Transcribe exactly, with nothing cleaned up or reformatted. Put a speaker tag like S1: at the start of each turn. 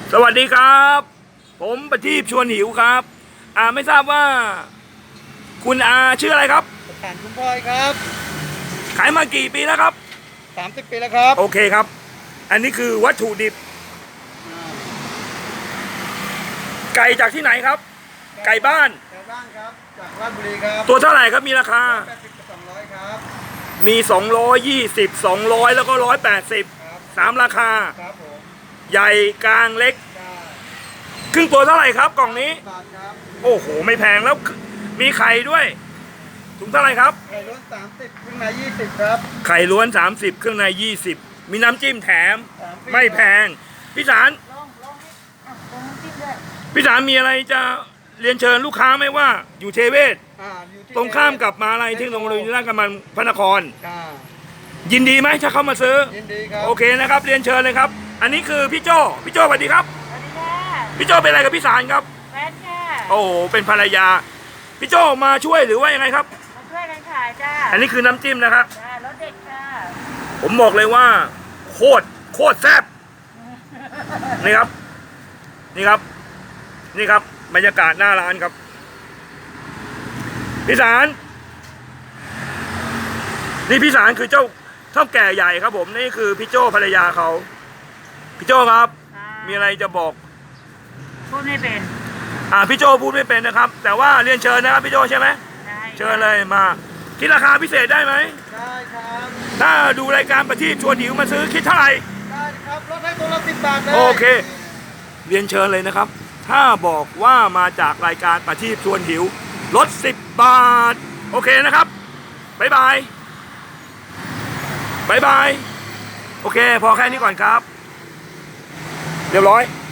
S1: สวัสดีครับ ผมประทีปชวนหิวครับอ่าไม่ทราบว่า คุณอาชื่ออะไรครับ
S2: สถานคุณพลอยครับ
S1: ขายมากี่ปีแล้วครับ
S2: สามสิบปีแล้วครับ
S1: โอเคครับ อันนี้คือวัตถุดิบ ไก่จากที่ไหนครับ ไก่บ้าน
S2: ไก่บ้านครับจากราชบุรีครับ
S1: ตัวเท่าไหร่ครับมีราคา
S2: แปดสิบกับสองร้อยครับ
S1: มีสองร้อยยี่สิบ สองร้อยแล้วก็หนึ่งร้อยแปดสิบสามราคา
S2: ครับผม
S1: ใหญ่กลางเล็ก
S2: ใช่
S1: ครึ่งตัวเท่าไหร่ครับกล่องนี้
S2: บาทครับ
S1: โอ้โหไม่แพงแล้วมีไข่ด้วยถุงเท่าไหร่ครับ
S2: ไข่ล้วนสามสิบเครื่องในยี่สิบครับ
S1: ไข่ล้วนสามสิบเครื่องในยี่สิบมีน้ำจิ้มแถมไม่แพงพี่สาร
S2: ลองลองอ่ะลองน้ำจิ้มด้วย
S1: พี่สารมีอะไรจะเรียนเชิญลูกค้าไหมว่าอยู่เทเวศ
S2: อ่าอยู่ที่
S1: ตรงข้ามกับมหาลัยเทคโนโลยีราชกำบังพระนคร
S2: อ่า
S1: ยินดีไหมถ้าเข้ามาซื้อ
S2: ยินดีครับ
S1: โอเคนะครับเรียนเชิญเลยครับอันนี้คือพี่โจพี่โจสวัสดีครับ
S3: สวัสดีค่ะ
S1: พี่โจเป็นอะไรกับพี่สารครับ
S3: แฟนค่ะ
S1: โอ้โหเป็นภรรยาพี่โจมาช่วยหรือว่ายังไงครับ
S3: มาช่วยกันขายจ้า
S1: อันนี้คือน้ำจิ้มนะครับ
S3: จ้ารสเด็ดค่ะ
S1: ผมบอกเลยว่าโคตรโคตรแซ่บนี่ครับนี่ครับนี่ครับบรรยากาศหน้าร้านครับพี่สารนี่พี่สารคือเจ้าเท่าแก่ใหญ่ครับผมนี่คือพี่โจ้ภรรยาเขาพี่โจ้ครับมีอะไรจะบอก
S3: พูดไม่เป็น
S1: อ่าพี่โจ้พูดไม่เป็นนะครับแต่ว่าเรียนเชิญนะครับพี่โจ้ใช่ไหม
S3: ได้
S1: เชิญเลยมาคิดราคาพิเศษได้ไหม
S2: ได้ครับ
S1: ถ้าดูรายการประทีปชวนหิวมาซื้อคิดเท่าไหร่
S2: ได้ครับลดให้ตัวละสิบบาทเลย
S1: โอเคเรียนเชิญเลยนะครับถ้าบอกว่ามาจากรายการประทีปชวนหิวลดสิบบาทโอเคนะครับบ๊ายบายบ๊ายบายโอเคพอแค่นี้ก่อนครับเรียบร้อย